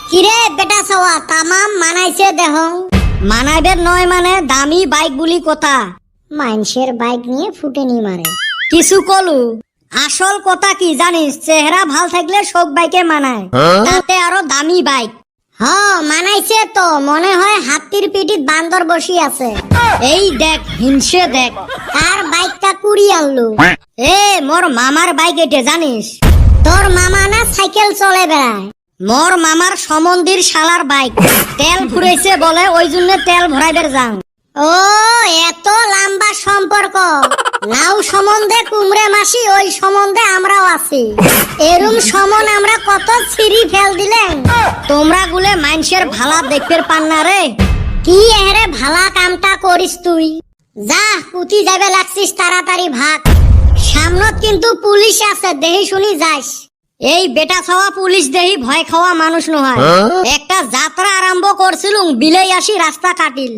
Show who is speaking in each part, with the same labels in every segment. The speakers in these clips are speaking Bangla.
Speaker 1: কিরে বেটা সওয়া তামাম মানাইছে দেহ। মানাইবের নয় মানে দামি বাইক বুলি কথা। মানুষের বাইক নিয়ে ফুটেনি মারে। কিছু কলু আসল কথা কি জানিস, চেহারা ভাল থাকলে সব বাইকে মানায়, তাতে আরো দামি বাইক। হ মানাইছে তো, মনে হয় হাতির পিঠিত বান্দর বসি আছে। এই দেখ হিংসে দেখ, কার বাইকটা কুড়ি আনলু। এ মোর মামার বাইক এটা জানিস। তোর মামা না সাইকেল চলে বেড়ায়। মোর মামার সমন্দির শালার বাইক, তেল ফুরাইছে বলে ওই জন্য তেল ভরাইবার যান। ও এত লম্বা সম্পর্ক। নাও সম্বন্ধে কুমড়ে মাসি, ওই সম্বন্ধে আমরাও আছি। এরম সমন আমরা কত ছিঁড়ি ফেল দিলেন। তোমরা গুলে মানুষের ভালা দেখতে পান না রে। কি এরে ভালা কামটা করিস তুই। যা কুতি যাবে লাগছিস, তাড়াতাড়ি ভাগ। সামনত কিন্তু পুলিশ আছে, দেহি শুনি যাস। এই বেটা খাওয়া পুলিশ দেহি ভয় খাওয়া মানুষ নয়। একটা যাত্রা আরম্ভ করছিলুম, বিলেই আসি রাস্তা কাটিল।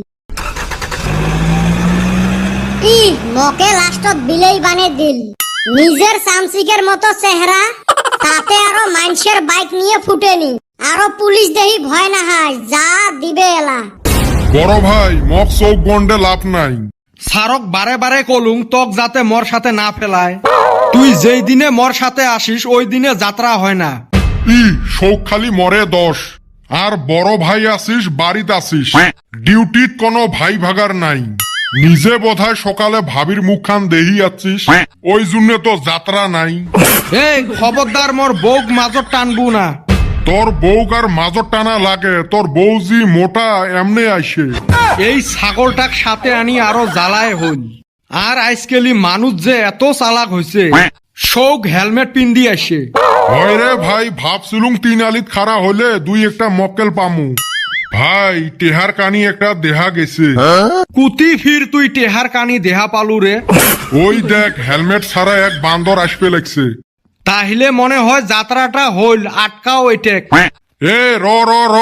Speaker 1: মকে লাস্টত বিলেই বানে দিল। নিজের চামচিকের মতো চেহারা, তাতে আরো মানুষের বাইক নিয়ে ফুটেনি। আরো পুলিশ দেহি ভয় না হয়, যা দিবে এলা।
Speaker 2: বড় ভাই মক চৌক গন্ডে লাভ নাই।
Speaker 3: সারক বারে বারে কলুং তক যাতে মোর সাথে না ফেলায়। তুই যেই দিনে মোর সাথে আসিস ওই দিনে যাত্রা হয় না।
Speaker 2: শোক খালি মরে 10, আর বড় ভাই আসিস বাড়িত আসিস, ডিউটিত কোনো ভাই ভাগার নাই। নিজে বোধহয় সকালে ভাবির মুখখান দেহি আছিস, ওই জন্য তো যাত্রা নাই।
Speaker 3: এই খবরদার মোর বউক মাজত টানবু না।
Speaker 2: তোর বউক আর মাজত টানা লাগে, তোর বউ জি মোটা এমনে আইসে।
Speaker 3: এই ছাগলটাক সাথে আনি আরো জ্বালায় হইল। আর আজকালি মানুষ যে এত চালাক হয়েছে, শোক হেলমেট পিন্দি আসে।
Speaker 2: হয় রে ভাই, ভাবছিলুম 3 আলিত খাড়া হলে 2 একটা মক্কেল পামু। ভাই টেহার কানি একটা দেহা গেছে।
Speaker 3: কুতি ফির তুই টেহার কানি দেহা পালু রে।
Speaker 2: ওই দেখ হেলমেট ছাড়া এক বান্দর আসবে লাগছে।
Speaker 3: তাহলে মনে হয় যাত্রাটা হইল, আটকাও এটেক।
Speaker 2: এ র র র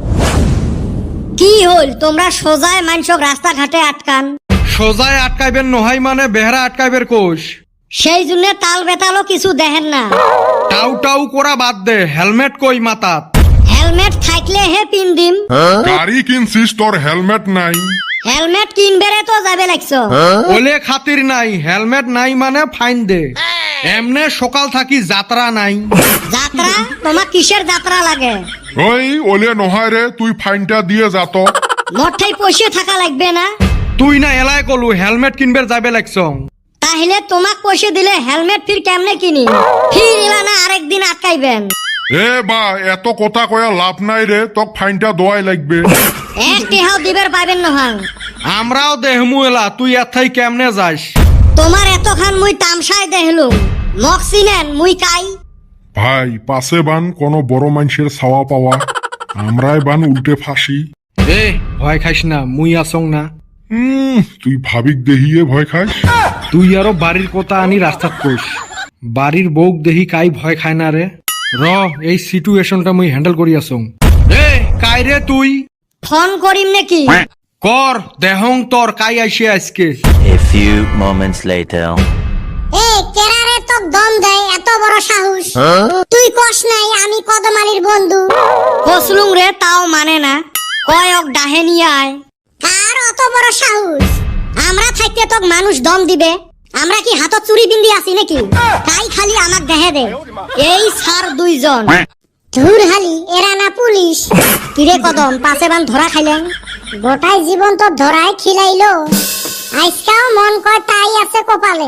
Speaker 1: কি হইল, তোমরা সোজায় মানুষক রাস্তাঘাটে আটকান।
Speaker 3: সোজায় আটকাইবেন নহাই মানে বেহরা আটকাইবের কোষ।
Speaker 1: সেই জন্য তাল বেতালও কিছু দেখেন না।
Speaker 3: টাউ টাউ করা বাদ দে, হেলমেট কই মাতাত।
Speaker 1: হেলমেট থাকলে হে পিন দিম।
Speaker 2: গাড়ি কিনছিস, তোর হেলমেট নাই।
Speaker 1: হেলমেট কিনবেরে তো যাবে লাগছ।
Speaker 3: ওলে খাতির নাই, হেলমেট নাই মানে ফাইন দে। এমনে সকাল থাকি যাত্রা নাই।
Speaker 1: যাত্রা তোমার কিসের যাত্রা লাগে?
Speaker 2: ওই ওলে নহায় রে, তুই ফাইনটা দিয়ে যাত।
Speaker 1: মোটেই পয়সা থাকা লাগবে না।
Speaker 3: তুই না এলাই কলু হেলমেট কিনবের যাবে লাগছ।
Speaker 1: তাহলে তোমাক পয়সা দিলে হেলমেট ফির কেমনে কিনি? ফির এলা না আরেকদিন আটকাইবেন।
Speaker 2: এ বা এত কথা কয়া লাভ নাই রে, তোক ফাইনটা দোয়াই লাগবে।
Speaker 1: এক টেহাও দিবের পাইবেন নহয়।
Speaker 3: আমরাও দেহমু এলা, তুই এথাই কেমনে যাস?
Speaker 1: তোমার এতখান মুই তামসায় দেখলুম, মক চিনেন মুই কাই।
Speaker 2: ভাই পাশে বান কোনো বড় মানুষের ছাওয়া পাওয়া, আমরাই বান উল্টে ফাঁসি।
Speaker 3: এ ভয় খাইস না, মুই আসং না।
Speaker 2: তুই ভাবিক দেহিয়ে ভয় খাস।
Speaker 3: তুই আরো বাড়ির কথা আনি রাস্তাত কইস। বাড়ির বউক দেহি কাই ভয় খায় না রে। র এই সিচুয়েশনটা মুই হ্যান্ডেল করি আসং। এ কাই রে তুই?
Speaker 1: ফোন করিম নাকি?
Speaker 3: কর দেহং তোর কাই আইসে আজকে।
Speaker 4: A few moments later.
Speaker 1: এ কেরারে তো দম দেয়, এত বড় সাহস। তুই কস নাই আমি কদমালির বন্ধু। কসলুম রে, তাও মানে না। কয়ক ডাহে নিয়ে আয়। কার অত বড় সাহস? আমরা থাকতে তো মানুষ দম দিবে। আমরা কি হাতত চুরি বিন্দি আছি নাকি? তাই খালি আমাক দেহে দে। এই সার 2 জন। ধুর হালি, এরা না পুলিশ। কিরে কদম, পাশে বান ধরা খাইলেন? গোটাই জীবন তো ধরাই খিলাইলো। আজকাও মন কয় তাই আছে কপালে।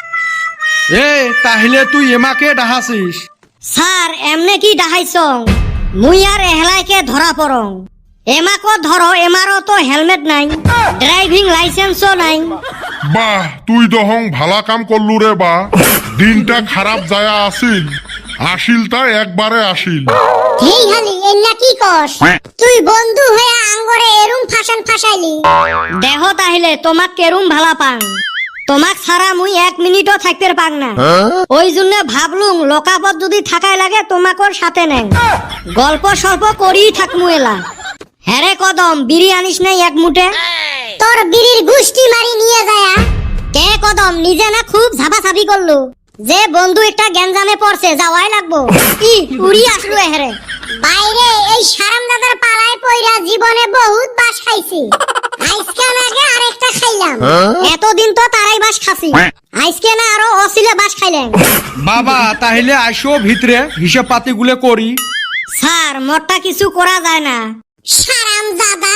Speaker 3: এ তাহলে তুই এমাকে ডাহাসিস?
Speaker 1: স্যার এমনে কি ডাহাইছং? মুই আর এহলাইকে ধরা পড়ং। এমাকো ধরো, এমারও তো হেলমেট নাই, ড্রাইভিং লাইসেন্সও নাই।
Speaker 2: বাহ, তুই দহং ভালা কাম করলু রে বা। দিনটা খারাপ যায়া আসিল, আসিল তা একবারে আসিল।
Speaker 1: হেই হালি, এন্না কি কস? তুই বন্ধু হয়ে আঙ্গরে এরুম ফাশান ফাশাইলি। দেহ তাহলে তোমাক কেরুম ভালা পাং। তোমাক ছাড়া মুই 1 মিনিটও থাকতে পাং না। ওই জন্য ভাবলুম লোকাপত যদি থাকাই লাগে তোমাকর সাথে নেন, গল্প সল্প করেই থাকমু এলা। হ্যারে কদম, বিড়ি আনিস নাই 1 মুঠে? তোর বিড়ির গুষ্টি মারি নিয়ে যায়া। কে কদম, নিজে না খুব ঝাপাঝাপি করলো যে বন্ধু একটা গ্যাঞ্জামে পড়ছে, যাওয়াই লাগবো। উড়ি আসলো এহারে বাইরে। এই সারামদাদার পাড়ায় পয়রা জীবনে বহুত বাস খাইছি। আজকাল আগে আরেকটা খাইলাম। এতদিন তো তারাই বাস খাসি, আজকে না আরো অসিলে বাস খাইলেন।
Speaker 3: বাবা তাহলে আসো ভিতরে হিসাব পাতি গুলো করি।
Speaker 1: স্যার মোরটা কিছু করা যায় না। সারামদাদা